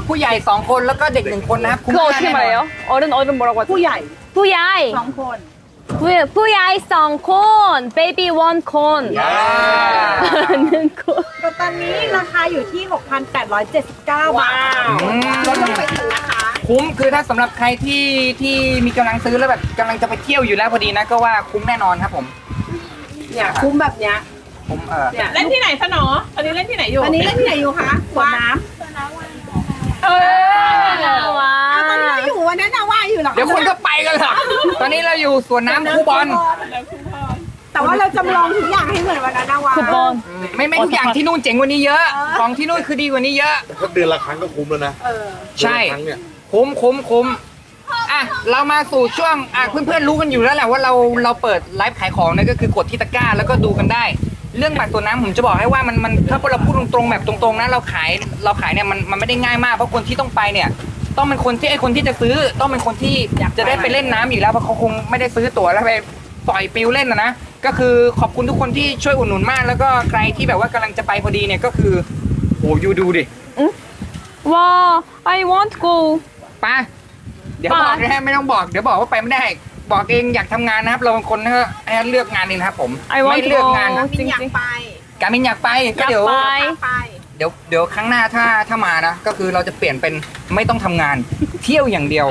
ผู้ใหญ่2คนแล้วก็เด็ก1คนนะครับ 그거 어떻게 말해요? 어른 뭐라고 하죠? ผู้ใหญ่ 부야이 2 คน 부야이 썬콘 베이비 원콘 는 콘. ตอนนี้ราคาอยู่ที่ 6,879 บาทลดลงไปถึงนะคะคุ้มคือถ้าสำหรับใครที่มีกำลังซื้อแล้วแบบกำลังจะไปเที่ยวอยู่แล้วพอดีนะก็ว่าคุ้มแน่นอนครับผมเนี่ยคุ้มแบบเนี้ยผมเนี่ยเล่นที่ไหนคะหนออันนี้เล่นที่ไหนอยู่อันนี้เล่นที่ไหนอยู่คะสวนน้เออำตอนนี้เราอยู่วันนั้นนะว่ายอยู่เหรอเดี๋ยวคนก็ไปกันเหรอตอนนี้เราอยู่สวนน้ำคูบอลแต่ว่าเราจำลองทุกอย่างให้เหมือนวันนั้นนะว่าย 9번. ไม่ทุกอย่างที่นู่นเจ๋งกว่านี้เยอะ ของที่นู่นคือดีกว่านี้เยอะถ้าเดือนละครั้งก็คุ้มแล้วนะใช่เดือนละครั้งเนี่ยคุ้มอ่ะเรามาสู่ช่วงเพื่อนๆรู้กันอยู่แล้วแหละว่าเราเปิดไลฟ์ขายของเนี่ยก็คือกดที่ตะกร้าแล้วก็ดูกันได้ เรื่องบัตรตัวน้ำผมจะบอกให้ว่ามันถ้าเราพูดตรงๆแบบตรงๆนะเราขายเนี่ยมันไม่ได้ง่ายมากเพราะคนที่ต้องไปเนี่ยต้องเป็นคนที่จะซื้อต้องเป็นคนที่อยากจะได้ไปเล่นน้ำอยู่แล้วเพราะเขาคงไม่ได้ซื้อตั๋วแล้วไปปล่อยปิวเล่นนะก็คือขอบคุณทุกคนที่ช่วยอุดหนุนมากแล้วก็ใครที่แบบว่ากำลังจะไปพอดีเนี่ยก็คือโหยูดูดิ 와, I want go. ไปเดี๋ยวบอกนะฮะไม่ต้องบอกเดี๋ยวบอกว่าไปไม่ได้ บอกเองอยากทำงานนะครับ เราเป็นคนให้เลือกงานเองนะครับผม I want ไม่เลือกงาน go. มินอยากไปการมินอยากไปก็เดี๋ยวอยากไปไปเดี๋ยวครั้งหน้าถ้ามานะก็คือเราจะเปลี่ยนเป็นไม่ต้องทำงาน เที่ยวอย่างเดียว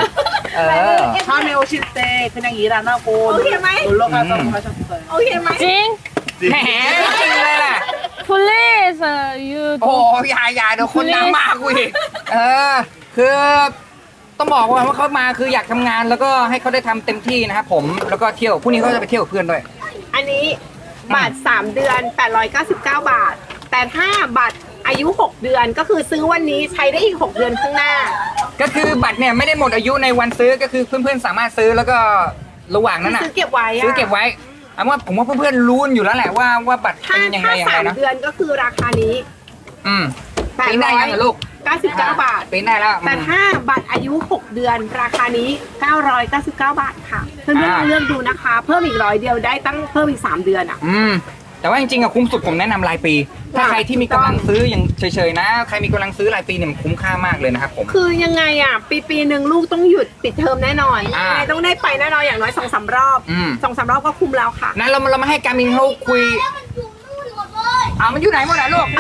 처음에 오실 때 그냥 일 안 하고 놀러 가자고 하셨어요. 오케이ไหม 찡. แหมจริงเลยล่ะ Please, you โอ้ don't. อย่าเดี๋ยวคนดังมากกูอีกคือต้องบอกว่าเขามาคืออยากทำงานแล้วก็ให้เขาได้ทำเต็มที่นะครับผมแล้วก็เที่ยวพรุ่งนี้เขาจะไปเที่ยวกับเพื่อนด้วยอันนี้บัตร3 เดือน 899 บาท แต่ถ้าบัตรอายุ 6 เดือนก็คือซื้อวันนี้ใช้ได้อีก 6 เดือนข้างหน้าก็คือบัตรเนี่ยไม่ได้หมดอายุในวันซื้อก็คือเพื่อนๆสามารถซื้อแล้วก็ระหว่างนั้นน่ะซื้อเก็บไว้อะซื้อเก็บไว้ผมว่าเพื่อนๆรู้อยู่แล้วแหละว่าบัตรถ้าเป็นยังไงยังไง 3 นะเดือนก็คือราคานี้ปีนได้ยังเหรอลูก 899 บาทปีนได้แล้วแต่ถ้าบัตรอายุ 6 เดือนราคานี้ 999 บาทค่ะ เพื่อนๆลองเลือกดูนะคะ เพิ่มอีก100 เดียวได้ตั้งเพิ่มอีก 3 เดือนอ่ะแต่ว่าจริงๆอะคุ้มสุดผมแนะนำรายปี ถ้าใครที่มีกำลังซื้ออย่างเฉยๆนะใครมีกำลังซื้อรายปีเนี่ยมันคุ้มค่ามากเลยนะครับผมคือยังไงอ่ะ ปีหนึ่งลูกต้องหยุดปิดเทอมแน่นอนอ่ายังไงต้องได้ไปแน่นอนอย่างน้อย 2-3 รอบ 2-3 รอบก็คุ้มแล้วค่ะนะเรามาให้การมินเขาคุยมันอยู่ไหนหมดอะลูก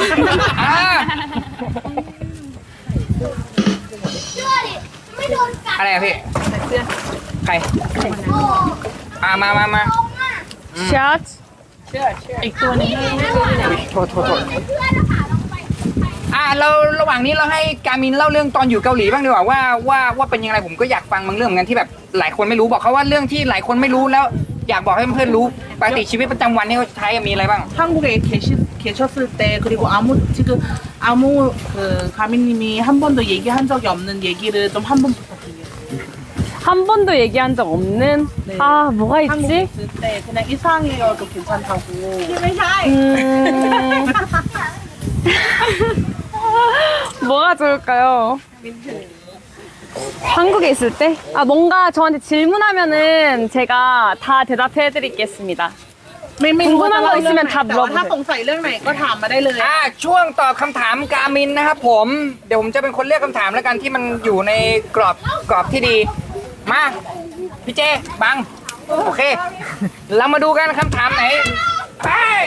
อะไรอะพี่ใครมา 샷. อีกตัวนึงโทษเราระหว่างนี้เราให้การมินเล่าเรื่องตอนอยู่เกาหลีบ้างดีกว่าว่าเป็นยังไงผมก็อยากฟังบางเรื่องเหมือนกันที่แบบหลายคนไม่รู้บอกเขาว่าเรื่องที่หลายคนไม่รู้แล้วอยากบอกให้เพื่อนๆรู้ปกติชีวิตประจำวันที่เขาใช้มีอะไรบ้าง 한국에 계셨을 때 그리고 지금 아무 그 가미님이 한 번도 얘기한 적이 없는 얘기를 좀 한 번 부탁드려요. 한 번도 얘기한 적 없는. 네. 아, 뭐가 한국에 있지? 있을 때 그냥 이상해요도 괜찮다고. ไม่ใช่ 뭐가 좋을까요? 한국에 있을 때? 뭔가 저한테 질문하면은 제가 다 대답해드리겠습니다. ไม่รู้ว่าจะเล่าเรื่องไหน 궁금한 거 있으면 다 แต่ว่าถ้า 물어보세요. สงสัยเรื่องไหนก็ถามมาได้เลยช่วงตอบคำถามการมินนะครับผมเดี๋ยวผมจะเป็นคนเลือกคำถามแล้วกันที่มันอยู่ในกรอบที่ดีมาพี่เจบังโอเค เรามาดูกันคำถามไหนไป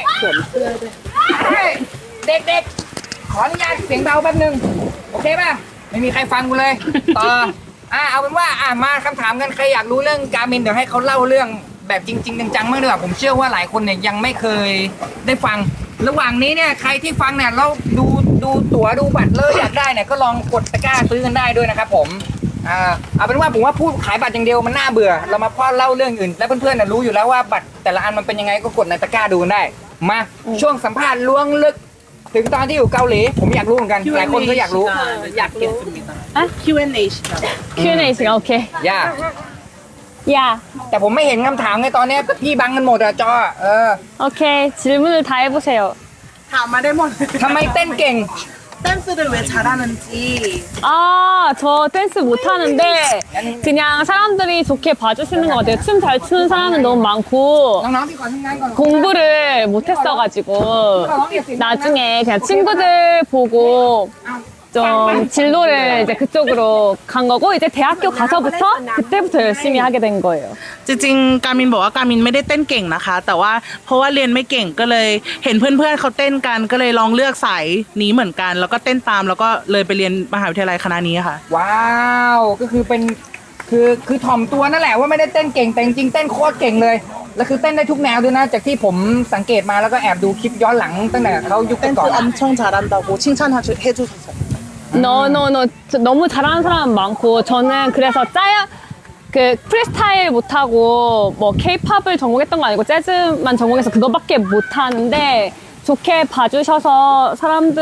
เด็กๆขออนุญาตเสียงเบาแป๊บนึงโอเคป่ะไม่มีใครฟังกูเลยต่อเอาเป็นว่ามาคำถามกันใครอยากรู้เรื่องการมินเดี๋ยวให้เขาเล่าเรื่องแบบจริงๆจังๆมากดีกว่าผมเชื่อว่าหลายคนเนี่ยยังไม่เคยได้ฟังระหว่างนี้เนี่ยใครที่ฟังเนี่ยเราดูตั๋วดูบัตรเลยอยากได้เนี่ยก็ลองกดตะกร้าซื้อกันได้ด้วยนะครับผมเอาเป็นว่าผมว่าพูดขายบัตรอย่างเดียวมันน่าเบื่อเรามาพ่อเล่าเรื่องอื่นและเพื่อนๆเนี่ยรู้อยู่แล้วว่าบัตรแต่ละอันมันเป็นยังไงก็กดในตะกร้าดูกันได้มาช่วงสัมภาษณ์ล้วงลึกถึงตอนที่อยู่เกาหลีผมอยากรู้เหมือนกันหลายคนก็อยากรู้อยากรู้겠습니다. 아? Q&A 시간. Q&A 시간, 오케이. ย่า 야, แต่ผมไม่เห็นคำถามไงตอนเนี้ยพี่บังกันหมดอะจอ 오케이. 질문을 다 해보세요. ถามมาได้หมดทำไมเต้นเก่ง 댄스를 왜 잘하는지. 저 댄스 못하는데 그냥 사람들이 좋게 봐주시는 것 같아요. 춤 잘 추는 사람은 너무 많고 น้องๆที่ขอทำงานก่อน 공부를 못했어가지고 나중에 그냥 친구들 보고 좀 좀 진로를 이제 그쪽으로 간 거고 이제 대학교 가서부터 그때부터 열심히 하게 된 거예요. จริงๆการมินบอกว่าการมินไม่ได้เต้นเก่งนะคะ แต่ว่าเพราะว่าเรียนไม่เก่งก็เลยเห็นเพื่อนๆเขาเต้นกันก็เลยลองเลือกสายนี้เหมือนกัน แล้วก็เต้นตามแล้วก็เลยไปเรียนมหาวิทยาลัยคณะนี้ค่ะว้าวก็คือเป็นคือถ่อมตัวนั่นแหละว่าไม่ได้เต้นเก่งแต่จริงๆเต้นโคตรเก่งเลยแล้วคือเต้นได้ทุกแนวด้วยนะจากที่ผมสังเกตมาแล้วก็แอบดูคลิปย้อนหลังตั้งแต่เขายุค 댄스 ก่อน 엄청 잘한다고 칭찬해주셨어요. 너무 잘하는 사람 많고 저는 그래서 그 프리스타일 못하고 뭐 케이팝을 전공했던 거 아니고 재즈만 전공해서 그거밖에 못하는데 좋게 봐주셔서 사람들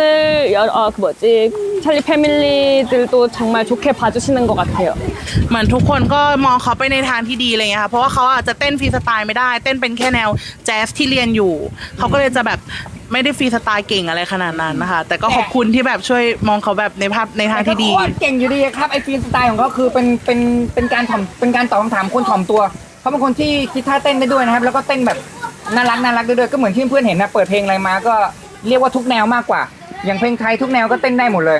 찰리 패밀리들도 정말 좋게 봐주시는 것 같아요. เหมือนทุกคนก็มองเขาไปในทางที่ดีอะไรเงี้ยค่ะเพราะว่าเขาอาจจะเต้นฟรีสไตล์ไม่ได้เต้นเป็นแค่แนวแจ๊สที่เรียนอยู่เขาก็เลยจะแบบไม่ได้ฟรีสไตล์เก่งอะไรขนาดนั้นนะคะแต่ก็ขอบคุณที่แบบช่วยมองเขาแบบในภาพในทางที่ดีโคตรเก่งอยู่ดีครับไอ้ฟรีสไตล์ของเขาคือเป็นการตอบคำถามคนถ่อมตัวเขาเป็นคนที่คิดท่าเต้นได้ด้วยนะครับแล้วก็เต้นแบบน่ารักด้วยก็เหมือนที่เพื่อนเห็นนะเปิดเพลงอะไรมาก็เรียกว่าทุกแนวมากกว่าอย่างเพลงไทยทุกแนวก็เต้นได้หมดเลย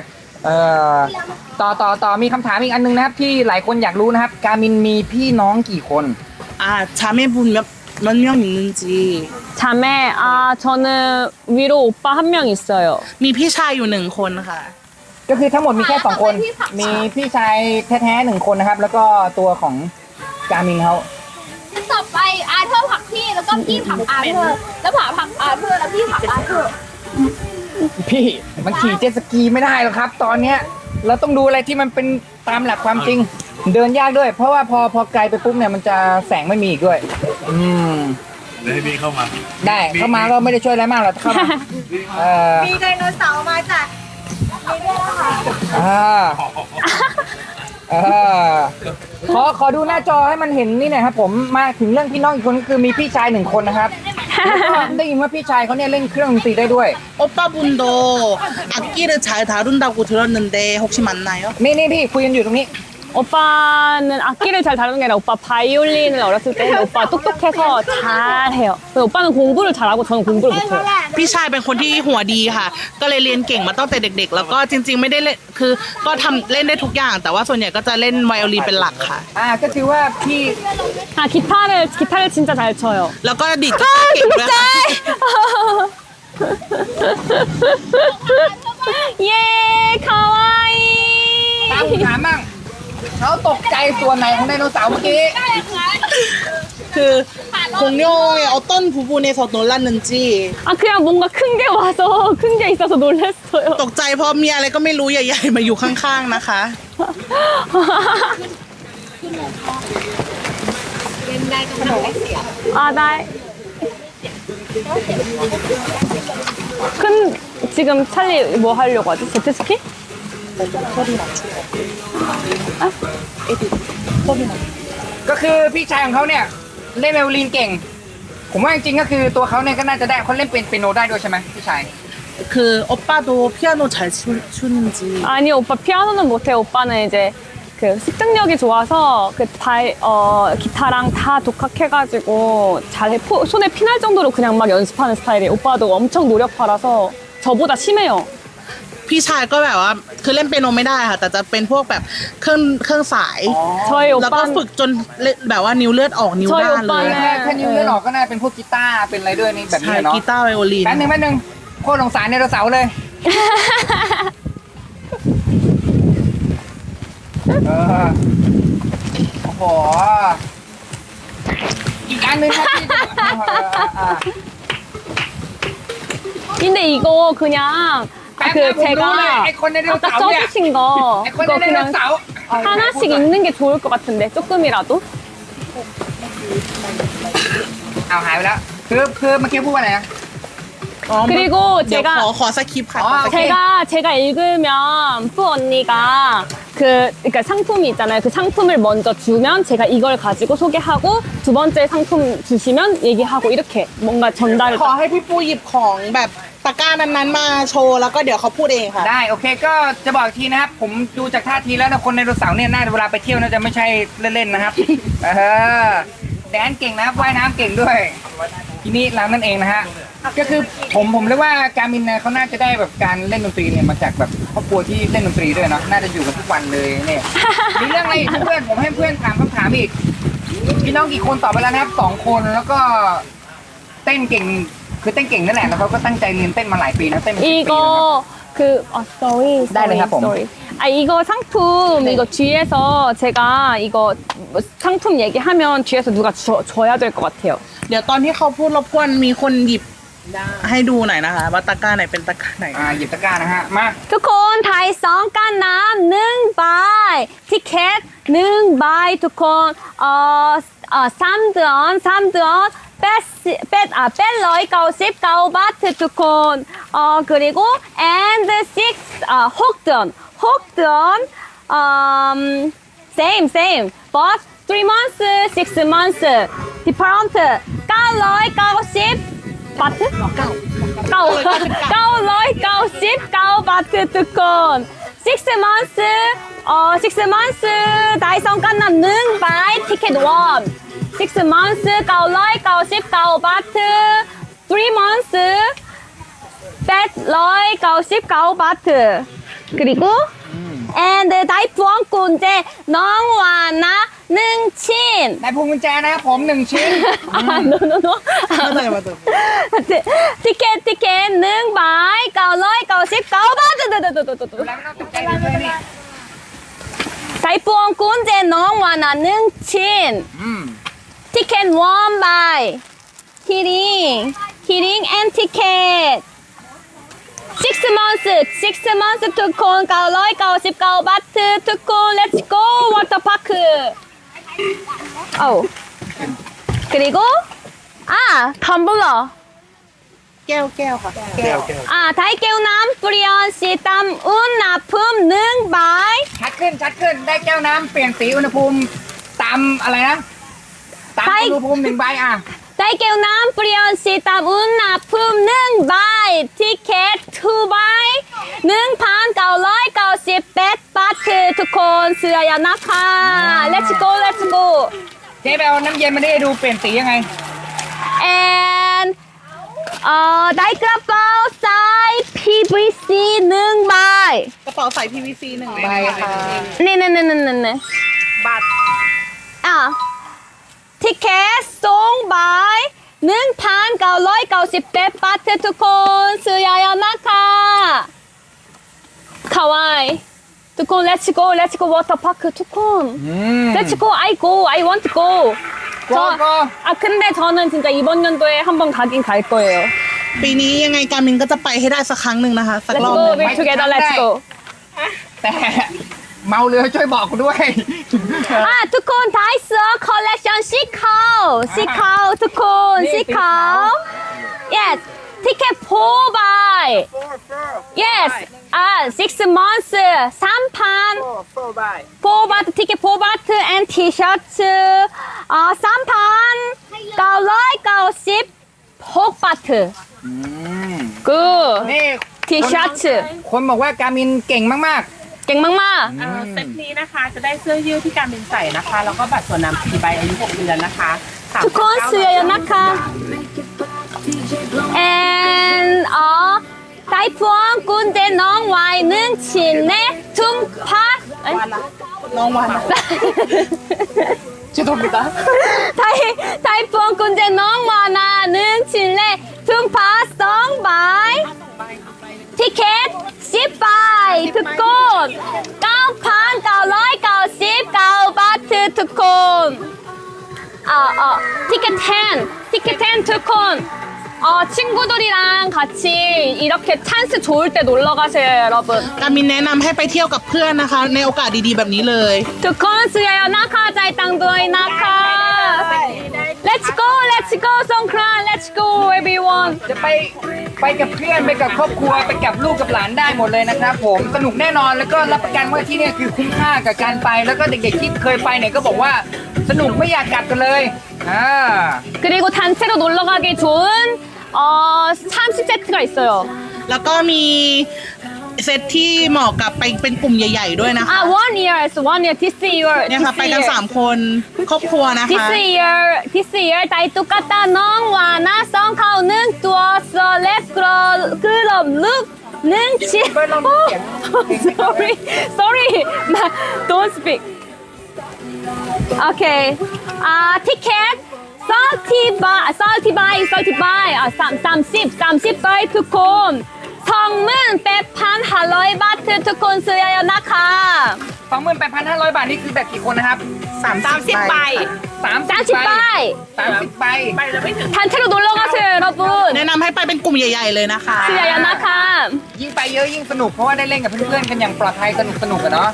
ต่อมีคำถามอีกอันนึงนะครับที่หลายคนอยากรู้นะครับการมินมีพี่น้องกี่คน 자매분 몇 명 있는지 자매 저는 위로 오빠 한 명 있어요. มีพี่ชายอยู่1 คนค่ะก็คือทั้งหมดมีแค่2 คนมีพี่ชายแท้ๆ1 คนนะครับแล้วก็ตัวของการมินเขาต่อไปอาเธอร์ผลักพี่แล้วก็พี่ผลักอาเธอร์แล้วผลักอาเธอร์แล้วพี่ผลักอาเธอร์พี่มันขี่เจ็ตสกีไม่ได้หรอกครับ ตอนเนี้ยเราต้องดูอะไรที่มันเป็นตามหลักความจริง เดินยากด้วย เพราะว่าพอไกลไปปุ๊บเนี่ยมันจะแสงไม่มีอีกด้วยได้ให้พี่เข้ามาได้เข้ามาก็ไม่ได้ช่วยอะไรมากหรอกเข้ามามีไดโนเสาร์มาจากนี่ด้วยนะคะขอดูหน้าจอให้มันเห็นนี่หน่อยครับผมมาถึงเรื่องพี่น้องอีกคนก็คือมีพี่ชาย1 คนนะครับแล้วก็ได้ยินว่าพี่ชายเขาเนี่ยเล่นเครื่องดนตรีได้ด้วย 오빠분도 악기를 잘 다룬다고 들었는데 혹시 맞나요? นี่พี่คุยกันอยู่ตรงนี้ 오빠는 악기를 잘 다루는 게 아니라 오빠 바이올린을 어렸을 때 했는데 오빠 똑똑해서 잘해요. 근데 오빠는 공부를 잘하고 저는 공부를 못해요. พี่ชายเป็นคนที่หัวดีค่ะ ก็เลยเรียนเก่งมาตั้งแต่เด็ก ๆ แล้วก็จริงๆไม่ได้เล่นคือก็ทำเล่นได้ทุกอย่าง แต่ว่าส่วนใหญ่ก็จะเล่นไวโอลินเป็นหลักค่ะก็ถือว่าพี่ 기타를 진짜 잘 쳐요. แล้วก็ดีดกีตาร์เก่งด้วยค่ะ 예, 가와이. ตามถามมั่งเขาตกใจส่วนไหนของไดโนเสาร์เมื่อกี้คือ공룡의 어떤 부분에서 놀랐는지 그냥 뭔가 큰 게 와서 큰 게 있어서 놀랐어요. ตกใจเพราะมีอะไรก็ไม่รู้ใหญ่ๆมาอยู่ข้างๆนะคะ 나. 지금 찰리 뭐 하려고 하지? 제트스키? ก็คือพี่ชายของเขาเนี่ยเล่นไวโอลินเก่ง ผมว่าจริงๆก็คือตัวเขาเนี่ยก็น่าจะได้เขาเล่นเป็นเปียโนได้ด้วยใช่ไหมพี่ชาย 그 오빠도 피아노 잘 추는지 아니 오빠 피아노는 못해. 오빠는 이제 그 습득력이 좋아서 기타랑 다 독학해가지고 잘해. 손에 피날 정도로 그냥 막 연습하는 스타일이에요. 오빠도 엄청 노력파라서 저보다 심해요. พี่ชายก็แบบว่าคือเล่นเปียโนไม่ได้ค่ะแต่จะเป็นพวกแบบเครื่องสาย 저희 แล้วก็ 오빠는 ฝึกจนแบบว่านิ้วเลือดออกนิ้วด้านเลยถ้านิ้วเลื่อนออกก็น่าเป็นพวกกีตาร์เป็นอะไรด้วยนี่แบบใช่นี้เนาะกีตาร์ไวโอลินแป๊บนึงโคตรสงสารไดโนเสาร์เลยโอ้โหอีกอันหนึงครับที่ 근데 이거 그냥 그 제가 아까 써주신 거 ไอ้คน 그거 ในไดโน 그냥 เสาร์ 하나씩 읽는 게 좋을 것 같은데 조금이라도 เอาหายไปแล้วคือเมื่อกี้พูดว่าอะไรนะอ๋อ 그리고 เดี๋ยว 제가 ขอสคริปต์ค่ะอ๋อขอสคริปต์ 제가 읽으면 푸 언니가 그러니까 상품이 있잖아요. 그 상품을 먼저 주면 제가 이걸 가지고 소개하고 두 번째 상품 주시면 얘기하고 이렇게 뭔가 전달을 ขอให้พี่ปูหยิบของแบบตะกร้านั้นๆมาโชว์แล้วก็เดี๋ยวเขาพูดเองค่ะได้โอเคก็จะบอกอีกทีนะครับผมดูจากท่าทีแล้วนะคนไดโนเสาร์เนี่ยน่าจะเวลาไปเที่ยวน่าจะไม่ใช่เล่นๆนะครับแดนเก่งนะครับว่ายน้ำเก่งด้วยทีนี้เรานั่นเองนะฮะก็คือผมเรียกว่าการมินเนี่ยเขาน่าจะได้แบบการเล่นดนตรีเนี่ยมาจากแบบครอบครัวที่เล่นดนตรีด้วยเนาะน่าจะอยู่กันทุกวันเลยเนี่ยมีเรื่องอะไรอีกเพื่อนผมให้เพื่อนถามคำถามอีกพี่น้องกี่คนตอบไปแล้วนะครับ2 คนแล้วก็เต้นเก่งคือเต้นเก่งนั่นแหละแล้วเขาก็ตั้งใจเรียนเต้นมาหลายปีนะเต้นมา10 ปีนะครับ 이거 그 sorry 네, 네, 하고. sorry 아 이거 상품 이거 뒤에서 제가 이거 뭐 상품 얘기하면 뒤에서 누가 줘야 될 것 같아요 เดี๋ยวตอนที่เขาพูดรบกวนมีคนหยิบให้ดูหน่อยนะคะ ว่าตะกร้าไหนเป็นตะกร้าไหนหยิบตะกร้านะฮะมาทุกคนไทยสองกันน้ำ1 ใบทิเก็ต1 ใบทุกคน3 เดือน899 바트ทุกคน그리고 and 6ดือนsame but 3 months 6 months different 990 바트? 999 바트 ทุกคน 6 months 6 months ได้สองกันน้ำ1 ใบทิเก็ต1 6 months 999 바트 3 months 899 바트 그리고 and ได้พวงกุญแจน้องวานะ1 ชิ้นได้พวงกุญแจนะครับผม1 ชิ้น no ทิเก็ต1 ใบ999 바트 แล้วไม่ต้องตกใจเลยนี่ได้พวงกุญแจน้องวานะ1 ชิ้น티켓 1 바이 키링 and 티켓 6 monthsทุกคน999 바트ทุกคน let's go 워터파크 그리고 텀블러 แก้วค่ะ 다이깨우 남 뿌리언시 땀운 나품 1 바이 ชัดขึ้นได้แก้วน้ำเปลี่ยนสีอุณหภูมิตามอะไรนะตามอุณหภูมิ1 ใบ 다이깨우 남 뿌리언시 땀운 나품 1 바이 티켓 2 바이 1,998 바트 ทุกคนเสื้อยันนะคะ let's go เจ๊ไปเอาน้ำเย็นมาได้ดูเปลี่ยนสียังไง and ได้กระเป๋าใส่ PVC 1 ใบกระเป๋าใส่ PVC 1 ใบค่ะนี่บัตรทิเก็ต2 ใบ1,998 บาททุกคนซื้อยานะคะかわいいทุกคน let's go water park ทุกคน let's go I want to go go 근데 저는 진짜 이번 연도에 한번 가긴 갈 거예요 ปีนี้ยังไงการมินก็จะไปให้ได้สักครั้งหนึ่งนะคะ สัก let's รอบ go หนึ่ง we together let's go แต่เมาเรือช่วยบอกกูด้วยทุกคนไทยเสื้อคอลเลคชันสีขาวทุกคนสีขาว yes ticket 4 ใบ yes 6 months 3,000 4 바이 4 바트 티켓 4 바트 and 티셔츠 3,996 바트 굿 นี่ 티셔츠 คนบอกว่าการมินเก่งมาก 깽망마 เซตนี้นะคะจะได้เสื้อยืดที่การบินใส่นะคะ แล้วก็บัตรส่วนน้ำ4 ใบอายุ 6 เดือนนะคะทุกคนเสื้อนะคะ and ได้พวงกุญแจน้องวาย1 ชิ้นและถุงผ้าน้องวัน 죄송합니다. ได้พวงกุญแจน้องวานา1 ชิ้นและถุงผ้า2 ใบทิเก็ต10 ใบทุกคน 9,999 บาททุกคน티켓 10 ทุกคน 친구들이랑 같이 이렇게 찬스 좋을 때 놀러 가세요, 여러분. การมินแนะนำให้ไปเที่ยวกับเพื่อนนะคะ ในโอกาสดีๆแบบนี้เลย 두콘 수야요 나카 자이땅도이 나카. Let's go, 송크란, let's go, everyone. จะไปกับเพื่อนไปกับครอบครัวไปกับลูกกับหลานได้หมดเลยนะครับผมสนุกแน่นอนแล้วก็รับประกันว่าที่นี่คือคุ้มค่ากับการไปแล้วก็เด็กๆที่เคยไปเนี่ยก็บอกว่าสนุกไม่อยากกลับกันเลย 그리고 단체로 놀러 가기 좋은 30세트가 있어요. แล้วก็มีเซตที่เหมาะกับไปเป็นกลุ่มใหญ่ๆด้วยนะคะ 1 year is 1 year this year เนี่ยค่ะ ไปกัน 3 คนครอบครัวนะคะ this year 다이 똑같다 넌 와나 성카우는 두어서 let's grow 그럼 look 는 치 sorry don't speak okay ticket 30 buy 30 buy ทุกคน28,500 บาททุกคนซื้อเยอะๆนะคะ 28,500 บาทนี่คือแบบกี่คนนะครับ 30 ใบ 30 ใบ 30 ใบใบละไม่ถึง 단체로 놀러 가세요 여러분 แนะนำให้ไปเป็นกลุ่มใหญ่ๆเลยนะคะซื้อเยอะๆนะคะยิ่งไปเยอะยิ่งสนุกเพราะว่าได้เล่นกับเพื่อนๆกันอย่างปลอดภัยสนุกกันเนาะ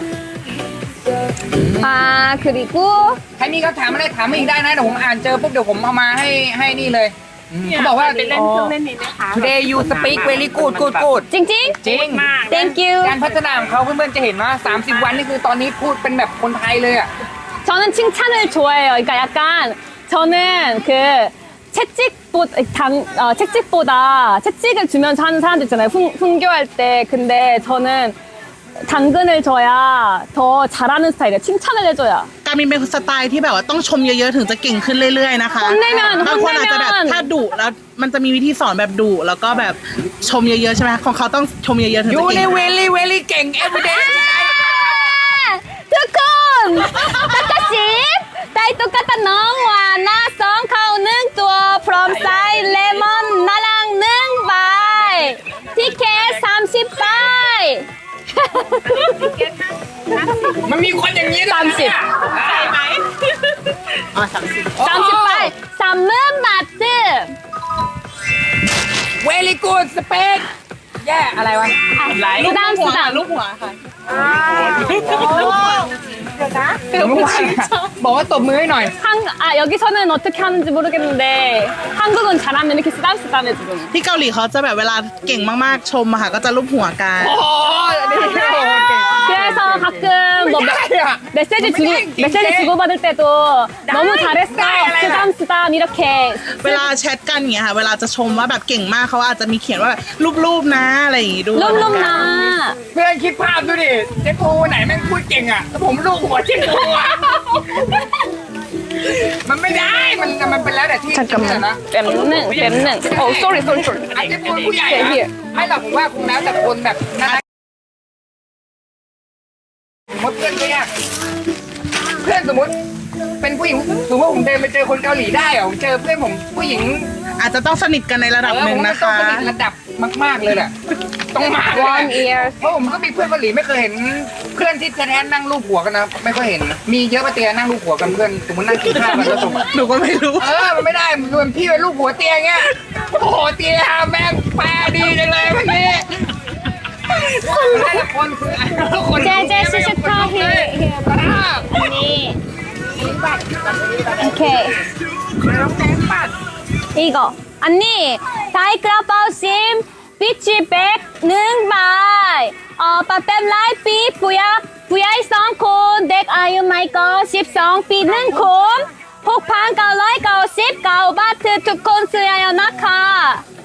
아 그리고 ใครมีคำถามอะไรถามมาอีกได้นะเดี๋ยวผมอ่านเจอปุ๊บเดี๋ยวผมเอามาให้นี่เลยเขาบอกว่าไปเล่นเครื่องเล่นนี้ไหมคะ today you speak very good 찡찡 จริงมาก Thank you การพัฒนาของเขาเพื่อนๆจะเห็นว่า 30 วันนี่คือตอนนี้พูดเป็นแบบคนไทยเลยอ่ะ 저는 칭찬을 좋아해요 그러니까 약간 저는 그 채찍보다 채찍을 주면서 하는 사람들 있잖아요 훈교할 때 근데 저는 당근을 줘야 더 잘하는 스타일이에요 칭찬을 해줘야 การมินเป็นสไตล์ที่แบบว่าต้องชมเยอะๆถึงจะเก่งขึ้นเรื่อยๆนะคะ 혼내면 บางคนอาจจะแบบถ้าดุแล้วมันจะมีวิธีสอนแบบดุแล้วก็แบบชมเยอะๆใช่ไหมของเขาต้องชมเยอะๆถึงยูจะเก่นี่ง very เก่ง everyday 두콘 똑같이 다이 똑같다 너와 나 성카우는 두어 from side lemon 나랑 능 바이 티켓 30바이 มันมีคนอย่างนี้ด้วย 30 ไหม 30바이 3문 마트 very good speak แย่อะไรวะ 수담 ลูกหัวค่ะบอกว่าตบมือให้หน่อย 여기서는 어떻게 하는지 모르겠는데 한국은 잘하면 이렇게 쓰담쓰담 해주고 ที่เกาหลีเขาจะแบบเวลาเก่งมากๆชมอะค่ะก็จะลูบหัวกันโอ้โหนี่โอ้โหเก่ง 그래서 가끔 뭐 ไม่ได้อะ 메시지 주고받을 때도 너무 잘했어 쓰담쓰담 이렇게 เวลาแชทกันอย่างเงี้ยค่ะเวลาจะชมว่าแบบเก่งมากเขาอาจจะมีเขียนว่าแบบรูปๆนะอะไรอย่างงี้ด้วย 롬롬나 เพื่อนคิดภาพดูดิเจ๊ปูไหนแม่งพูดเก่งอ่ะแล้วผมลูกหัวเจ๊ปูอ่ะมันไม่ได้มันเป็นแล้วแต่ที่นะ 뺨는 sorry อาจจะเป็นผู้ใหญ่อะไม่หรอกผมว่าคงแล้วแต่คนแบบน่ารักสมมติเพื่อนก็ยากเพื่อนสมมติเป็นผู้หญิงสมมติว่าผมเดินไปเจอคนเกาหลีได้เหรอผมเจอเพื่อนผมผู้หญิงอาจจะต้องสนิทกันในระดับหนึ่งนะผมคะก็ต้องสนิทระดับมากๆเลยแหละต้องมาเลย 1 year เพราะผมก็มีเพื่อนเกาหลีไม่เคยเห็นเพื่อนที่แท้ๆนั่งรูปหัวกันนะไม่ค่อยเห็นมีเยอะปะเตียนั่งรูปหัวกันเพื่อนสมมตินั่งกินข้าวกันแล้วสมมติหนูก็ไม่รู้มันไม่ได้มันเป็นพี่เป็นลูกหัวเตียงเงี้ยโอ้โหเตียแม่งแปลดีจังเลยวันนี้แต่ละคนคือทุกคนเจ๊시스터 here 언니 오케이 이거 언니 다이크라파우심 비치백 능바이 빠뱀 라이피 부야이 성콘 덱 아유 마이거 12비 능콘 폭판 999 바트 두콘 쓰여요 나카